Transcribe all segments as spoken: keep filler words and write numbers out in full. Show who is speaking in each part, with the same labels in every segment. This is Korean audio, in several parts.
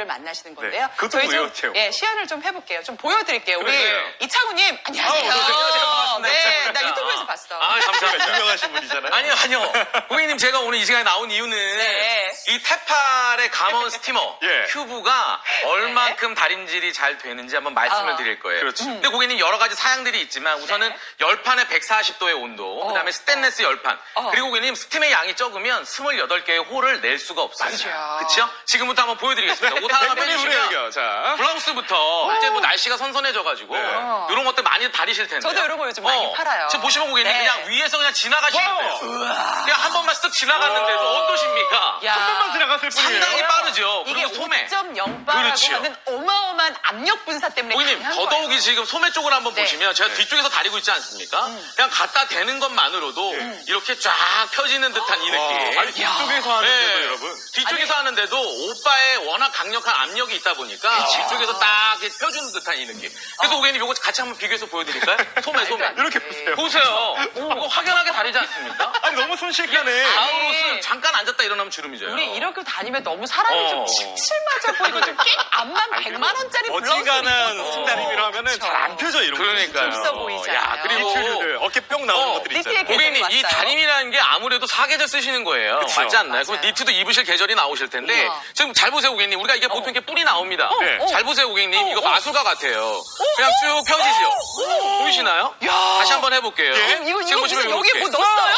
Speaker 1: 분들을 만나시는 건데요.
Speaker 2: 그것도
Speaker 1: 저희 좀
Speaker 2: 무료 체험.
Speaker 1: 예, 시연을 좀 해볼게요. 좀 보여드릴게요. 우리
Speaker 2: 그래요.
Speaker 1: 이창우님 안녕하세요.
Speaker 2: 아우, 안녕하세요. 반갑습니다.
Speaker 1: 네, 나
Speaker 2: 이창우입니다.
Speaker 1: 유튜브에서 봤어.
Speaker 3: 아, 감사합니다.
Speaker 2: 유명하신 분이잖아요.
Speaker 3: 아니요, 아니요. 고객님, 제가 오늘 이 시간에 나온 이유는
Speaker 1: 네.
Speaker 3: 이 테팔의 감원 스티머
Speaker 2: 예.
Speaker 3: 큐브가 얼만큼 달인질이 잘 되는지 한번 말씀을
Speaker 1: 아.
Speaker 3: 드릴 거예요.
Speaker 2: 그렇죠.
Speaker 3: 근데 고객님 여러 가지 사양들이 있지만 우선은
Speaker 1: 네.
Speaker 3: 열판에 백사십 도의 온도, 그다음에 스테인레스 열판,
Speaker 1: 어.
Speaker 3: 그리고 고객님 스팀의 양이 적으면 스물여덟 개의 홀을 낼 수가 없어요.
Speaker 1: 맞아요.
Speaker 3: 그렇죠? 지금부터 한번 보여드리겠습니다. 옷 하나
Speaker 2: 백분이
Speaker 3: 빼주시면
Speaker 2: 우리 자.
Speaker 3: 블라우스부터 이제 뭐 날씨가 선선해져가지고
Speaker 2: 네.
Speaker 3: 이런 것들 많이 다리실 텐데.
Speaker 1: 저도 이런 거 요즘 많이 팔아요.
Speaker 3: 지금 보시면 고객님
Speaker 1: 네.
Speaker 3: 그냥 위에서 그냥 지나가시면
Speaker 2: 와우.
Speaker 3: 돼요. 그냥 한 번만 쓱 지나갔는데도 어떠십니까?
Speaker 1: 야.
Speaker 2: 한 번만 지나갔을 뿐이에요.
Speaker 3: 상당히 빠르죠.
Speaker 1: 이게
Speaker 3: 그리고 소매.
Speaker 1: 오 점 영 바라고
Speaker 3: 그렇죠.
Speaker 1: 하는 어마어마한 압력 분사 때문에
Speaker 3: 고객님
Speaker 1: 강한
Speaker 3: 더더욱이
Speaker 1: 거예요.
Speaker 3: 지금 소매 쪽을 한번
Speaker 1: 네.
Speaker 3: 보시면 제가
Speaker 2: 네.
Speaker 3: 뒤쪽에서 다리고 있지 않습니까? 그냥 갖다 대는 것만으로도 이렇게 쫙 펴지는 듯한 이
Speaker 2: 와,
Speaker 3: 느낌.
Speaker 2: 아니 뒤쪽에서 하는데도
Speaker 3: 네.
Speaker 2: 여러분.
Speaker 3: 뒤쪽에서 하는데도 오빠의 워낙 강력한 압력이 있다 보니까 뒤쪽에서 딱 이렇게 펴주는 듯한 이 느낌. 그래서 고객님 이거 같이 한번 비교해서 보여드릴까요? 소매 소매.
Speaker 2: 이렇게 보세요.
Speaker 3: 보세요. 이거 확연하게 다르지 않습니까?
Speaker 2: 아니 너무 순식간에.
Speaker 3: 아우로스 잠깐 앉았다 일어나면 주름이 져요.
Speaker 1: 우리 이렇게 다니면 너무 사람이
Speaker 3: 어.
Speaker 1: 좀 칠칠맞아 보이고 좀 꽤 암만 백만 원짜리 블라우스
Speaker 2: 어지간한 스타일이라 하면은 잘 안 펴져 이런 거.
Speaker 3: 그러니까요.
Speaker 1: 있어 보이잖아요.
Speaker 3: 야, 그리고
Speaker 2: 이틀들 어깨 뿅 나오는
Speaker 3: 어,
Speaker 2: 것들이
Speaker 1: 니트에
Speaker 2: 있잖아요.
Speaker 3: 고객님, 이
Speaker 1: 왔어요.
Speaker 3: 다림이라는 게 아무래도 사계절 쓰시는 거예요.
Speaker 2: 그쵸.
Speaker 3: 맞지 않나요? 그럼
Speaker 1: 맞아요.
Speaker 3: 니트도 입으실 계절이 나오실 텐데
Speaker 1: 우와.
Speaker 3: 지금 잘 보세요, 고객님. 우리가 이게 보통 이렇게 뿔이 나옵니다.
Speaker 2: 네.
Speaker 1: 어.
Speaker 3: 잘 보세요, 고객님.
Speaker 1: 어,
Speaker 3: 이거
Speaker 1: 어.
Speaker 3: 마술가 같아요. 그냥 쭉 펴지죠? 보이시나요?
Speaker 1: 야.
Speaker 3: 다시 한번 해볼게요.
Speaker 2: 예?
Speaker 1: 이거,
Speaker 3: 지금
Speaker 1: 이거
Speaker 3: 보시면
Speaker 1: 무슨 여기
Speaker 3: 이렇게.
Speaker 1: 뭐 넣었어요?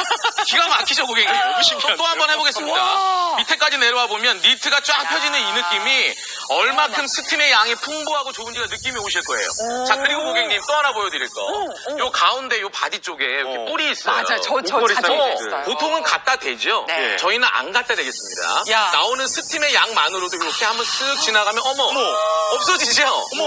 Speaker 3: 기가 막히죠, 고객님.
Speaker 2: 너무 신기한데요?
Speaker 3: 또 한 번 해보겠습니다.
Speaker 1: 와.
Speaker 3: 밑에까지 내려와 보면 니트가 쫙 펴지는 이 느낌이 얼마큼 스팀의 양이 풍부하고 좋은지가 느낌이 오실 거예요. 자, 그리고 고객님 또 하나 보여드릴 거. 요 가운데 요 바디 쪽에 이렇게
Speaker 2: 어.
Speaker 3: 뿔이 있어요.
Speaker 1: 맞아, 저, 저
Speaker 2: 목걸이
Speaker 1: 자주
Speaker 2: 사이즈.
Speaker 1: 있어요.
Speaker 3: 보통은 갖다 대죠.
Speaker 1: 네.
Speaker 3: 저희는 안 갖다 대겠습니다.
Speaker 1: 야.
Speaker 3: 나오는 스팀의 양만으로도 이렇게 한번 쓱 지나가면 어머, 없어지죠.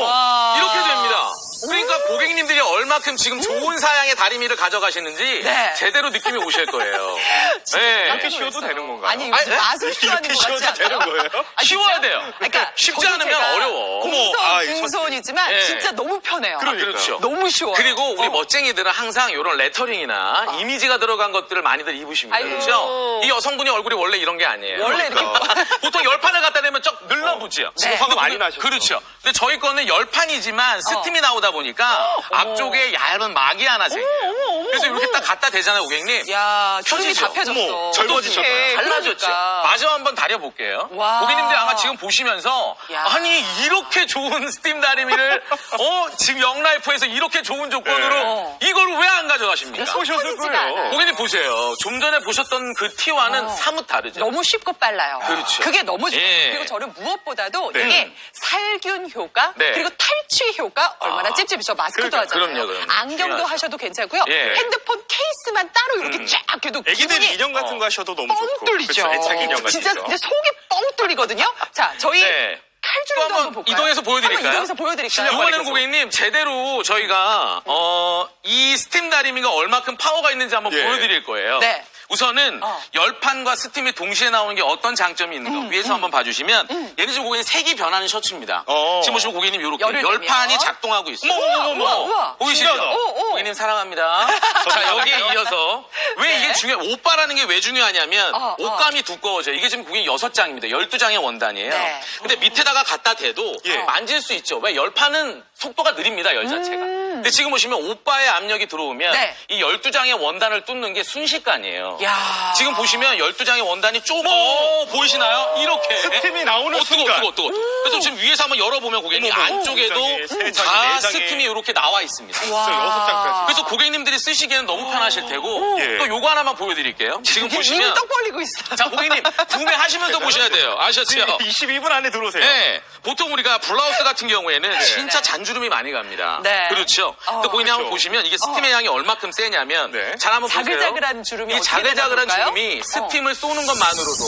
Speaker 1: 와.
Speaker 3: 이렇게 됩니다. 그러니까 고객님들이 얼마큼 지금 좋은 사양의 다리미를 가져가시는지
Speaker 1: 네.
Speaker 3: 제대로 느낌이 오실 거예요.
Speaker 1: 진짜
Speaker 3: 네.
Speaker 1: 깜짝
Speaker 2: 이렇게 쉬어도
Speaker 1: 놀랐어요.
Speaker 2: 되는 건가요?
Speaker 1: 아니,
Speaker 3: 아니, 네?
Speaker 1: 맛을 쉬어하는
Speaker 2: 이렇게
Speaker 1: 것 같지
Speaker 2: 쉬어도 되는
Speaker 1: 않아요?
Speaker 2: 거예요?
Speaker 1: 아,
Speaker 3: 쉬워야
Speaker 1: 진짜?
Speaker 3: 돼요.
Speaker 1: 그러니까
Speaker 3: 쉽지
Speaker 1: 저도
Speaker 3: 않으면
Speaker 1: 제가
Speaker 3: 어려워.
Speaker 1: 공손,
Speaker 2: 어머, 아,
Speaker 1: 공손이지만
Speaker 3: 예.
Speaker 1: 진짜 너무 편해요.
Speaker 2: 그러니까요.
Speaker 3: 그렇죠.
Speaker 1: 너무 쉬워요.
Speaker 3: 그리고 우리
Speaker 1: 어.
Speaker 3: 멋쟁이들은 항상 이런 레터링이나 이미지가 들어간 것들을 많이들 입으십니다.
Speaker 1: 아이고.
Speaker 3: 그렇죠? 이 여성분이 얼굴이 원래 이런 게 아니에요.
Speaker 1: 원래 이렇게
Speaker 3: 보통 열판을 갖다 대면 쩍 늘러붙죠.
Speaker 1: 지금
Speaker 2: 화가 많이 나셨죠?
Speaker 3: 그렇죠. 근데 저희 거는 열판이지만 스팀이 나오다 보니까 앞쪽에 얇은 막이 하나 생겨요. 그래서 이렇게 딱 갖다 대잖아요, 고객님.
Speaker 1: 야, 주름이
Speaker 3: 펴지죠?
Speaker 1: 다 펴졌어.
Speaker 2: 어머, 젊어지셨다.
Speaker 1: 어떡해.
Speaker 3: 달라졌죠.
Speaker 1: 그러니까.
Speaker 3: 마저 한번 다려볼게요.
Speaker 1: 와.
Speaker 3: 고객님들 아마 지금 보시면서
Speaker 1: 야.
Speaker 3: 아니 이렇게 좋은 스팀 다리미를 어 지금 영라이프에서 이렇게 좋은 조건으로
Speaker 1: 네.
Speaker 3: 이걸 왜 안 가져가십니까?
Speaker 2: 쏘셨을
Speaker 1: 펴지지가
Speaker 2: 거예요.
Speaker 1: 않아요.
Speaker 3: 고객님 보세요. 좀 전에 보셨던 그 티와는
Speaker 1: 어.
Speaker 3: 사뭇 다르죠.
Speaker 1: 너무 쉽고 빨라요.
Speaker 3: 그렇죠.
Speaker 1: 그게 너무 좋아요.
Speaker 3: 예.
Speaker 1: 그리고 저는 무엇보다도
Speaker 2: 네.
Speaker 1: 이게 살균 효과
Speaker 3: 네.
Speaker 1: 그리고 탈취 효과 얼마나
Speaker 3: 아.
Speaker 1: 찝찝이 저 마스크도
Speaker 2: 그러니까,
Speaker 1: 하잖아요.
Speaker 3: 그럼요, 그럼요.
Speaker 1: 안경도
Speaker 3: 중요하죠.
Speaker 1: 하셔도 괜찮고요.
Speaker 3: 예.
Speaker 1: 핸드폰 케이스만 따로 이렇게 쫙 해도
Speaker 2: 애기들
Speaker 1: 기분이
Speaker 2: 인형 같은
Speaker 3: 어.
Speaker 2: 거 하셔도 너무
Speaker 1: 뻥
Speaker 2: 좋고.
Speaker 1: 뚫리죠.
Speaker 2: 그렇죠. 애착 인형 같은
Speaker 1: 진짜
Speaker 2: 거.
Speaker 1: 근데 속이 뻥 뚫리거든요. 자, 저희
Speaker 3: 네.
Speaker 1: 칼줄도
Speaker 3: 또
Speaker 1: 한번,
Speaker 3: 한번
Speaker 1: 볼까요?
Speaker 3: 이동해서 보여드릴까요?
Speaker 1: 한번 이동해서 보여드릴까요?
Speaker 3: 이번에는 고객님 제대로 저희가 어, 이 스팀 다리미가 얼마큼 파워가 있는지 한번
Speaker 2: 예.
Speaker 3: 보여드릴 거예요.
Speaker 1: 네.
Speaker 3: 우선은
Speaker 1: 어.
Speaker 3: 열판과 스팀이 동시에 나오는 게 어떤 장점이 있는가
Speaker 1: 음,
Speaker 3: 위에서 한번 봐주시면 얘는 지금 고객님 색이 변하는 셔츠입니다.
Speaker 2: 어.
Speaker 3: 지금 보시면 고객님 이렇게
Speaker 1: 열을
Speaker 3: 열판이
Speaker 1: 내면.
Speaker 3: 작동하고 있어요.
Speaker 2: 어머, 어머, 어머.
Speaker 1: 우와, 우와.
Speaker 3: 보이시죠?
Speaker 2: 신기하다.
Speaker 1: 오, 오.
Speaker 3: 고객님 사랑합니다. 자 여기에 이어서 왜
Speaker 1: 네.
Speaker 3: 이게 중요? 오빠라는 게 왜 중요하냐면
Speaker 1: 어, 어.
Speaker 3: 옷감이 두꺼워져요. 이게 지금 고객님 여섯 장입니다. 열두 장의 원단이에요.
Speaker 1: 네.
Speaker 3: 근데 밑에다가 갖다 대도
Speaker 2: 예.
Speaker 3: 만질 수 있죠. 왜 열판은 속도가 느립니다. 열 자체가. 근데 지금 보시면 오빠의 압력이 들어오면
Speaker 1: 음. 네.
Speaker 3: 이 열두 장의 원단을 뚫는 게 순식간이에요.
Speaker 1: 야.
Speaker 3: 지금 보시면 열두 장의 원단이 쪼 어, 보이시나요? 이렇게.
Speaker 2: 스팀이 나오는
Speaker 3: 어, 뜨거,
Speaker 2: 순간.
Speaker 3: 뜨거, 뜨거. 그래서 지금 위에서 한번 열어보면 고객님
Speaker 2: 어머, 어머.
Speaker 3: 안쪽에도
Speaker 2: 두 장에, 세 장에,
Speaker 3: 다
Speaker 2: 네 장에.
Speaker 3: 스팀이 이렇게 나와 있습니다.
Speaker 1: 와.
Speaker 2: 진짜 여섯 장까지.
Speaker 3: 그래서 고객님들이 쓰시기에는 너무 편하실 테고
Speaker 2: 예.
Speaker 3: 또 요거 하나만 보여드릴게요. 지금
Speaker 1: 이게
Speaker 3: 보시면
Speaker 1: 입이 떡 벌리고 있어.
Speaker 3: 자 고객님 구매하시면서 보셔야 돼요. 아셨죠?
Speaker 2: 이십이 분 안에 들어오세요.
Speaker 3: 네. 보통 우리가 블라우스 같은 경우에는 진짜 잔주름이 많이 갑니다.
Speaker 1: 네.
Speaker 3: 그렇죠.
Speaker 1: 어,
Speaker 3: 근데 고객님 한번
Speaker 2: 그렇죠.
Speaker 3: 보시면 이게 스팀의 양이 얼마큼 세냐면
Speaker 2: 네.
Speaker 3: 잘 한번 보세요.
Speaker 1: 자글자글한 주름이
Speaker 3: 이
Speaker 1: 어떻게
Speaker 3: 자글자글한
Speaker 1: 되나 볼까요?
Speaker 3: 주름이 스팀을 쏘는 것만으로도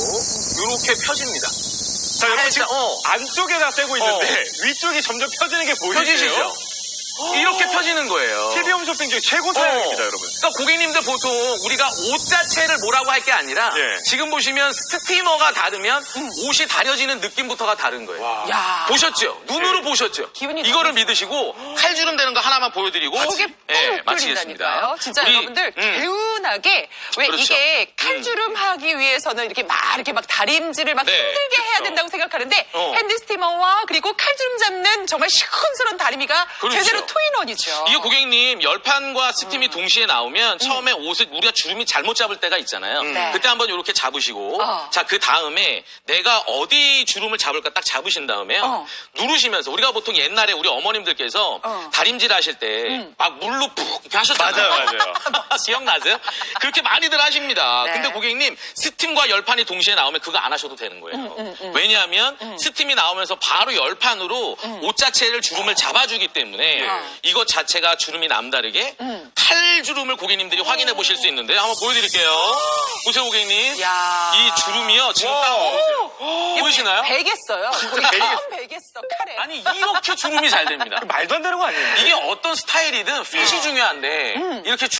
Speaker 3: 이렇게 펴집니다.
Speaker 2: 자, 여러분 지금
Speaker 3: 살짝, 어.
Speaker 2: 안쪽에다 떼고 있는데 위쪽이 점점 펴지는 게 보이세요?
Speaker 3: 펴지시죠? 이렇게 펴지는 거예요.
Speaker 2: 티비 홈쇼핑 중에 최고 사양입니다, 여러분.
Speaker 3: 그러니까 고객님들 보통 우리가 옷 자체를 뭐라고 할 게 아니라
Speaker 2: 예.
Speaker 3: 지금 보시면 스티머가 다르면 옷이 다려지는 느낌부터가 다른 거예요.
Speaker 2: 와.
Speaker 1: 야.
Speaker 3: 보셨죠? 눈으로
Speaker 2: 예.
Speaker 3: 보셨죠?
Speaker 1: 기분이
Speaker 3: 이거를
Speaker 1: 너무
Speaker 3: 믿으시고 칼주름 되는 거 하나만 보여드리고
Speaker 1: 속에
Speaker 3: 예,
Speaker 1: 뻥
Speaker 3: 마치겠습니다.
Speaker 1: 뚫린다니까요. 진짜
Speaker 3: 우리,
Speaker 1: 여러분들
Speaker 3: 음,
Speaker 1: 개운하게 왜
Speaker 3: 그렇죠.
Speaker 1: 이게 칼주름 하기 위해서는 이렇게 막 이렇게 막 다림질을 막
Speaker 3: 네,
Speaker 1: 힘들게 해야
Speaker 3: 그렇죠.
Speaker 1: 된다고 생각하는데
Speaker 3: 어.
Speaker 1: 핸드 스티머와 그리고 칼주름 잡는 정말 시큰스러운 다리미가
Speaker 3: 그렇죠.
Speaker 1: 제대로 투인원이죠.
Speaker 3: 이게 고객님 열판과 스팀이 동시에 나오면 처음에 옷을 우리가 주름이 잘못 잡을 때가 있잖아요.
Speaker 1: 네.
Speaker 3: 그때 한번 이렇게 잡으시고
Speaker 1: 어.
Speaker 3: 자 그 다음에 내가 어디 주름을 잡을까 딱 잡으신 다음에요.
Speaker 1: 어.
Speaker 3: 누르시면서 우리가 보통 옛날에 우리 어머님들께서
Speaker 1: 어.
Speaker 3: 다림질 하실 때 막 물로 푹 이렇게 하셨잖아요.
Speaker 2: 맞아요, 맞아요.
Speaker 3: 기억나세요? 그렇게 많이들 하십니다.
Speaker 1: 네.
Speaker 3: 근데 고객님 스팀과 열판이 동시에 나오면 그거 안 하셔도 되는 거예요. 왜냐하면 스팀이 나오면서 바로 열판으로 옷 자체를 주름을 잡아주기 때문에
Speaker 1: 어.
Speaker 3: 이것 자체가 주름이 남다르게 탈주름을 고객님들이 확인해 보실 수 있는데 한번 보여드릴게요. 보세요 고객님.
Speaker 1: 야.
Speaker 3: 이 주름이요. 지금
Speaker 2: 와.
Speaker 3: 딱 보세요. 보이시나요?
Speaker 1: 베겠어요.
Speaker 2: 베겠어.
Speaker 1: 베겠어 칼에.
Speaker 3: 아니 이렇게 주름이 잘 됩니다.
Speaker 2: 말도 안 되는 거 아니에요?
Speaker 3: 이게 어떤 스타일이든 핏이 중요한데 이렇게